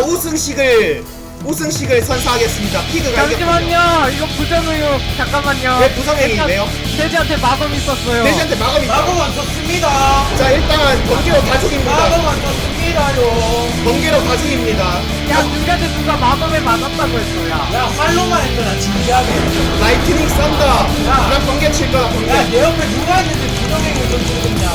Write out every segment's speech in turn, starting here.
우승식을 선사하겠습니다. 피그가 잠시만요. 이거 부정의요. 잠깐만요. 왜 부정행위인데요? 돼지한테 마검 있었어요. 돼지한테 마검이 있다. 마법 안 썼습니다. 자, 일단 번개로 가죽입니다. 마법 안 썼습니다요. 번개로 가죽입니다. 야, 누구한테 누가 마검에 맞았다고 했어, 야. 야 활로만 했더라 진지하게. 라이트닝 썬더. 야. 난 번개 칠 거야, 번개. 야 내 옆에 누가 있는데 부정행위 던지고 있냐.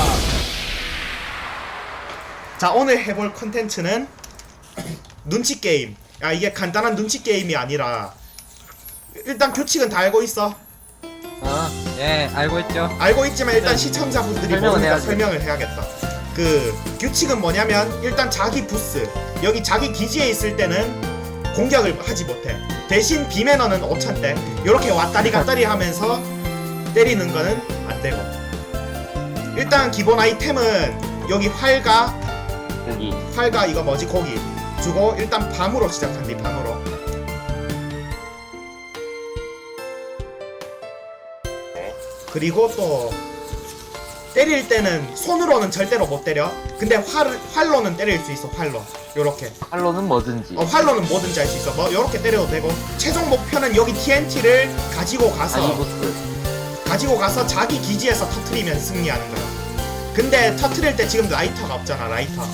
자, 오늘 해볼 컨텐츠는 눈치 게임. 야, 이게 간단한 눈치 게임이 아니라 일단 규칙은 다 알고 있어. 예, 알고 있죠. 알고 있지만 일단 시청자분들이 설명은 모르니까 해야지. 설명을 해야겠다. 그 규칙은 뭐냐면 일단 자기 부스 여기 자기 기지에 있을 때는 공격을 하지 못해. 대신 비매너는 5,000대 요렇게 왔다리 갔다리 하면서 때리는 거는 안 되고. 일단 기본 아이템은 여기 활과 이거 뭐지 고기 주고 일단 밤으로 시작한대. 밤으로. 그리고 또 때릴 때는 손으로는 절대로 못 때려. 근데 활로는 때릴 수 있어. 활로 요렇게. 활로는 뭐든지. 활로는 뭐든지 할 수 있어. 뭐 요렇게 때려도 되고. 최종 목표는 여기 TNT를 가지고 가서 자기 기지에서 터트리면 승리하는 거야. 근데 터트릴 때 지금 라이터가 없잖아.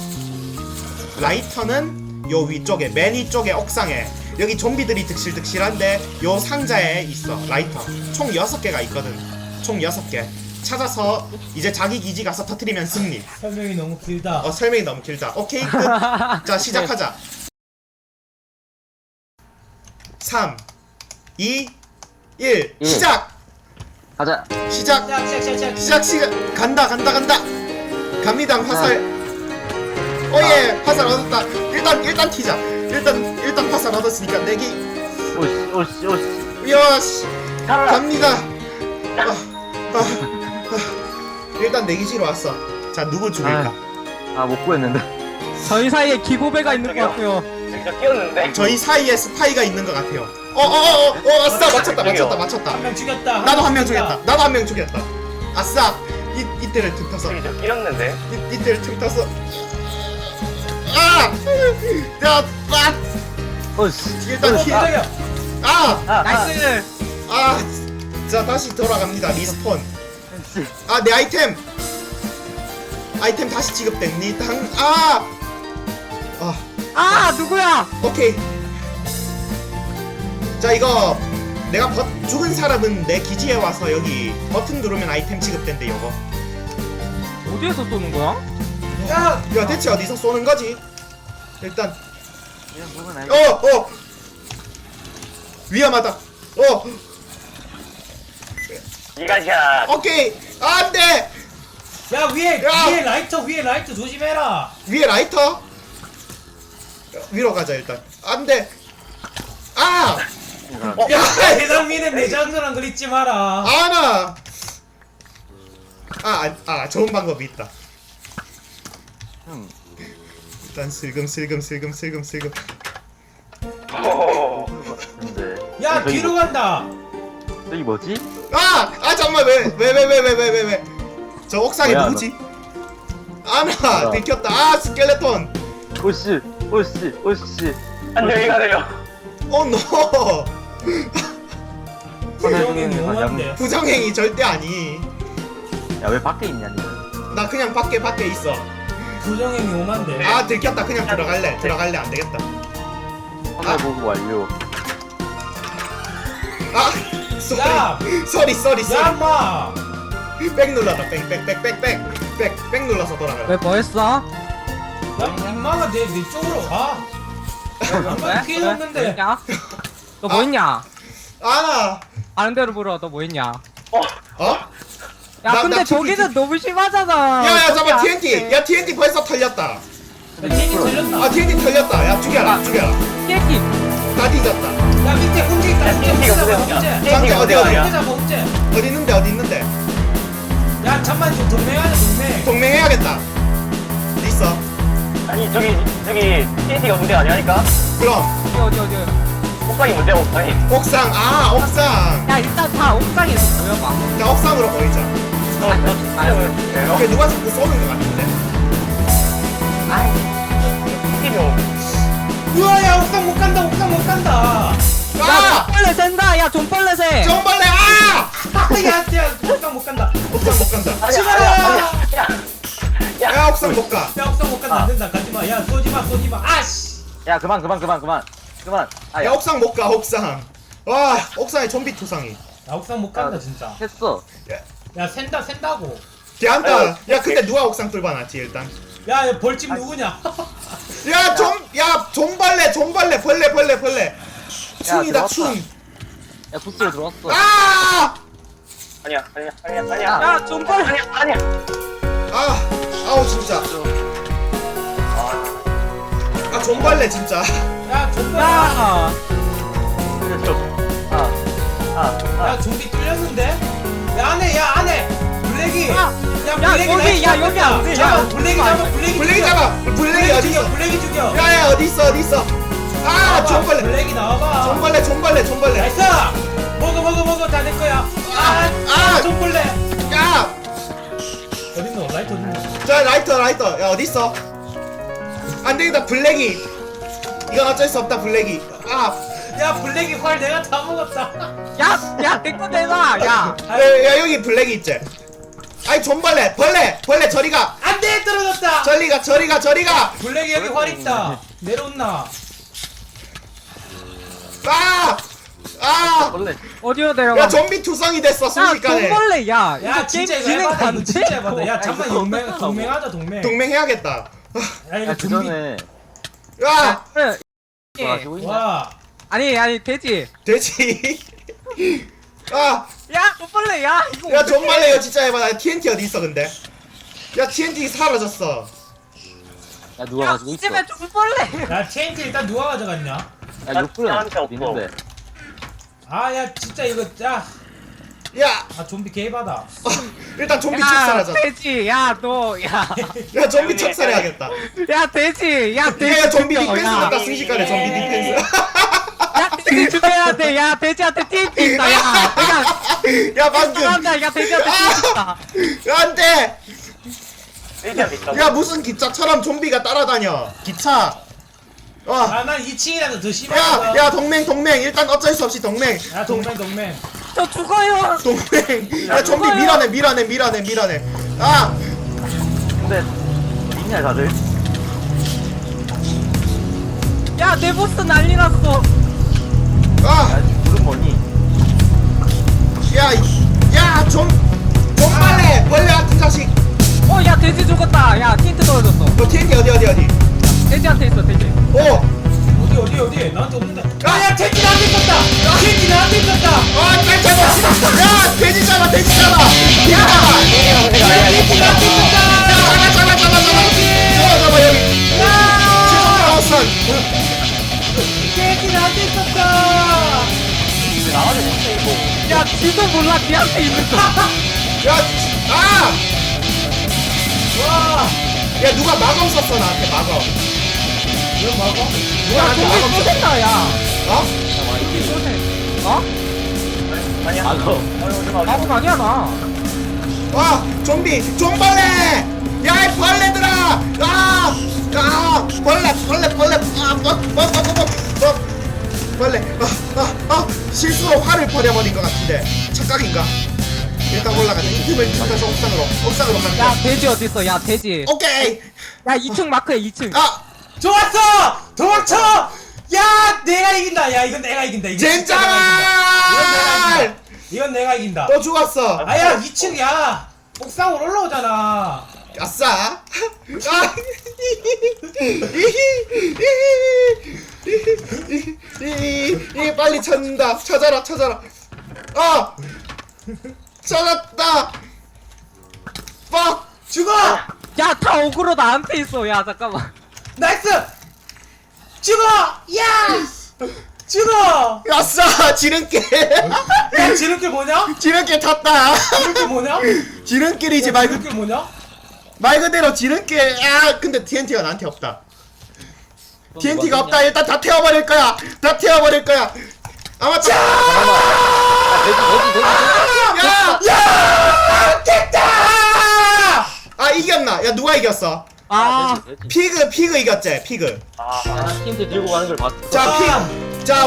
라이터는 요 위쪽에 맨 위쪽에 옥상에 여기 좀비들이 득실득실한데 요 상자에 있어. 라이터 총 6개가 있거든. 총 6개 찾아서 이제 자기 기지 가서 터트리면 승리. 설명이 너무 길다. 설명이 너무 길다. 오케이 끝. 자, 시작하자. 3 2 1 시작. 가자. 시작. 간다. 갑니다. 화살. 오예, 화살 얻었다. 일단 튀자. 일단 화살 얻었으니까 내기. 오씨. 요시. 갑니다. 일단 내기지로 왔어. 자, 누구 죽일까? 못 구했는데. 저희 사이에 기고배가 있는 것 같고요. 진짜 끼었는데? 저희 사이에 스파이가 있는 것 같아요. 아싸. 맞췄다. 한 명 죽였다. 나도 한 명 죽였다. 아싸. 이때를 틈타서. 진짜 끼었는데? 이때를 틈타서. 야, 오씨. 일단 히. 나이스. 자, 다시 돌아갑니다. 리스폰. 내 아이템 다시 지급됩니다. 누구야? 오케이. 자, 이거 내가 죽은 사람은 내 기지에 와서 여기 버튼 누르면 아이템 지급된대. 요거. 어디에서 쏘는 거야? 야 대체 어디서 쏘는 거지? 일단 위험하다. 이가샷. 오케이. 안돼. 야 위에 야! 위에 라이터 조심해라. 위에 라이터. 위로 가자. 일단 안돼. 야 해당민의 내장들랑 그리지 마라. 좋은 방법이 있다. 일단 슬금. 근데. 야 뒤로 간다. 저기 뭐지? 잠깐만. 왜 저 옥상에 뭐야, 누구지? 뭐야. 들켰다. 스켈레톤. 오씨. 안녕히 가세요. 노. 부정행위 오만데. 부정행위 절대 아니. 야왜 밖에 있냐 니는? 나 그냥 밖에 있어. 부정행위 오만데. 들켰다. 그냥 들어갈래. 안 되겠다. 화면 보고 완료. 야! 쏘리. 야 인마. 백 눌러라. 백 눌러서 돌아가. 왜 뭐했어? 야 인마가 내 쪽으로 와. 한번 피해 없는데. 뭐했냐? 너 뭐했냐? 아는 대로 물어. 너 뭐했냐? 야, 나 근데 저기는 너무 심하잖아. 야야, 잠깐. 저기 TNT. 안 야, TNT 벌써 털렸다. TNT 털렸다. TNT 털렸다. 야, 죽여라. 깨끼. 다 뒤졌다. 야 밑에 홍제 있다. TNT 가 홍제. 장기 어디? 홍제 잡아 홍제. 어디 있는데? 야 잠만 좀 동맹하자 동맹. 동맹해야겠다. 있어. 아니 저기 TNT가 문제 아니라니까? 그럼 어디. 옥상이 문제야 옥상이. 옥상. 옥상. 야, 일단 다 옥상에서 보여봐. 자, 옥상으로 보이자. 오케이, 누가 자꾸 쏘는 것 같은데. TNT 좀. 우와 야 옥상 못 간다 옥상 못 간다. 아! 좀벌레 센다. 야 좀벌레 새. 정벌레 아! 야 옥상 못 간다. 옥상 못 간다. 치마라. 야 옥상 못 가. 야 옥상 못 간다 안 된다 가지마. 야 쏘지마 쏘지마. 아씨. 야 그만. 아, 야 야 옥상 못 가. 옥상. 와 옥상에 좀비 투성이. 야 옥상 못 간다 진짜. 했어. 야 센다고. 걔한다. 야 근데 누가 옥상 뚫어놨지 일단. 야 벌집 누구냐? 야 좀벌레 벌레. 충이다 들어왔다. 충. 야 부스로 들어왔어. 아! 아니야. 야 좀벌레. 아니야. 아! 아우 진짜. 아 좀벌레 진짜. 야 좀비. 야. 야 좀비 뚫렸는데? 야 안에 블랙이. 야, 야 야, 블랙이 여기, 야, 여기 안 돼. 잡아 야. 블랙이 잡아 블랙이 잡아. 블랙이 어디 있어? 블랙이 죽여. 야야 어디 있어? 아 좀벌레. 블랙이 나와봐. 좀벌레. 나이스. 먹어 다 내 거야. 아! 좀벌레. 야! 어딨노 라이트 어딨노? 자 라이터. 야 어디 있어? 안 되겠다 블랙이. 이건 어쩔 수 없다 블랙이. 아! 야 블랙이 활 내가 다 먹었다. 야 내거 내놔. 야. 야 여기 블랙이 있지. 아이 좀벌레 벌레 저리 가. 안돼 떨어졌다. 저리 가. 블랙이 여기 활 있다. 내려온나? 아! 원래 어디로 내려가? 야 좀비 투성이 됐어 야 순식간에. 좀벌레. 야. 야 이거 진짜 게임 이거 진행 해봐다. 안 이거 돼? 진짜 해봐다. 야 잠만 이거 동맹하자 동맹. 동맹해야겠다. 야 이거 그 좀비. 전에 야! 그래. 뭐 가지고 있냐? 와. 아니 돼지. 돼지. 아! 야 좀벌레. 야 이거. 야 좀벌레 이거 진짜 해봐. 나 TNT 어디 있어 근데? 야 TNT 사라졌어. 야 누가 야 가지고 있어? 이집에 좀벌레. 야 TNT 일단 누가 가져갔냐? 야 나한테 육불은 없어. 있는데. 아 야 진짜 이거 야. 야! 아 좀비 개바다. 일단 좀비 척 야 사라져. 돼지. 야 너. 야. 야 좀비 척 살해야겠다. 야 돼지. 야 돼지. 야 좀비 죽여, 디펜스 야. 같다 순식간에 좀비 디펜스. 야 돼지 죽여야 돼. 야 돼지한테 TNT 있다. 야 내가. 야 방금. 한다. 야 돼지한테 TNT 있다. 안돼. 일기한테 있다. 야 무슨 기차처럼 좀비가 따라다녀. 기차. 와. 아난 2층이라도 더 심하다. 야 동맹 일단 어쩔 수 없이 동맹. 야 동맹. 저 죽어요. 동맹. 야 좀비 죽어요. 밀어내. 아. 근데 있냐 다들? 야 내 보스 난리 났어. 아. 야 불은 뭐니? 야 좀벌레 벌레 같은 자식. 야 돼지 죽었다. 야 TNT 떨어졌어. 너 TNT 어디? 돼지한테 있어 돼지. 오. 어디 나한테 없는데. 야 텐트 나한테 있었다. 텐트 나한테 있었다. 잘 잡아. 야 돼지 잡아. 야. 텐트 나한테 있었다. 잡아 여기. 최종 텐트 나한테 있었다. 나와야 되는데 이거. 야 지도 몰라 니한테 있는 거. 아! 와. 야 누가 마검 썼어 나한테 마검. 이거 먹어? 야 나한테 좀비 마검 또 썼어. 된다 야. 어? 어? 아니야. 아무 아니야 나. 와 좀벌레. 야 이 벌레들아. 벌레. 벌레. 실수로 활을 버려버린 것 같은데 착각인가? 일단 올라가자. 이 틈을 찾아서 옥상으로 가는 야 거야. 돼지 어디 있어? 야 돼지. 오케이. 야 2층 마크야 2층. 아 좋았어. 도망쳐. 야 내가 이긴다. 야 이건 내가 이긴다. 이거 진짜 내가 이긴다. 젠장. 이건 내가 이긴다. 또 죽었어. 아야 2층이야. 옥상으로 올라오잖아. 아싸. 빨리 찾는다. 찾아라. 아 찾았다. 빡. 죽어. 야 다 어그로 나한테 있어. 야 잠깐만. 나이스. 죽어. 야. 죽어. 아싸 지름길. 야 지름길 뭐냐? 지름길 탔다. 지름길 뭐냐? 지름길이지 지름길 뭐냐? 말 그대로 지름길. 아 근데 TNT가 나한테 없다. TNT가 없다. 일단 다 태워버릴 거야. 아마 돼지. 야! 됐다. 아 이겼나? 야 누가 이겼어? 아 피그 이겼지 피그. 나 TNT 들고 가는 걸 봤어. 자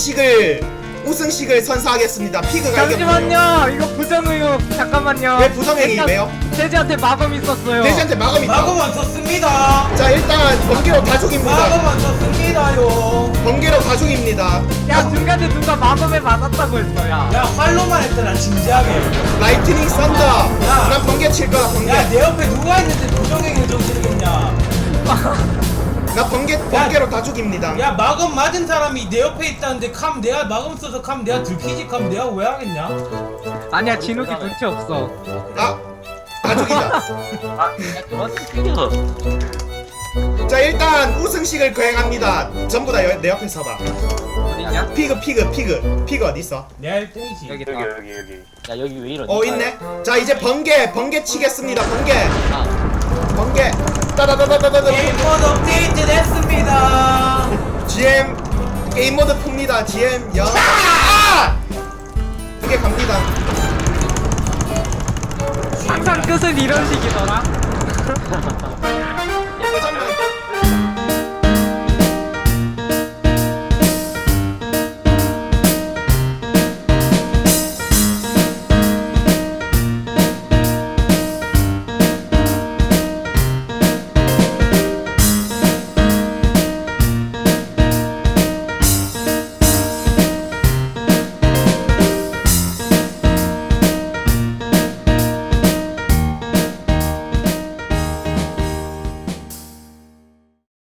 우승식을 선사하겠습니다. 피그가 이겼고요. 잠시만요 이거 부정의혹 잠깐만요 왜 부정행위 일단 왜요? 돼지한테 마검 있었어요 돼지한테 마검 있다. 마검 안 썼습니다. 자 일단 번개로 다 죽입니다. 마검 안 썼습니다요. 번개로 다 죽입니다. 야 중간에 누가 마검에 맞았다고 했어 야 야 활로만 했더라 진지하게. 라이트닝 썬더. 야. 난 번개 칠 거야 번개. 야 내 옆에 누가 있는데 부정행위 저지르겠냐. 나 번개로 다 죽입니다. 야 마검 맞은 사람이 내 옆에 있다는데 캄 내가 마검 써서 캄 내가 들키지 캄 내가 왜 하겠냐. 아니야 진욱이 눈치 없어 다 죽이자. 야, 그만 튀겨. 자 일단 우승식을 거행합니다. 전부 다 내 옆에 서봐. 어디냐? 피그 어디 있어? 내가 1등이지. 여기 여기 있다 여기. 야, 여기 왜 이러니? 있네. 자 이제 번개 치겠습니다. 번개 아, 따다다다다다. 게임 모드 업데이트 됐습니다. GM 게임 모드 풉니다. GM 야. 이게 갑니다. 항상 끝은 이런 식이더라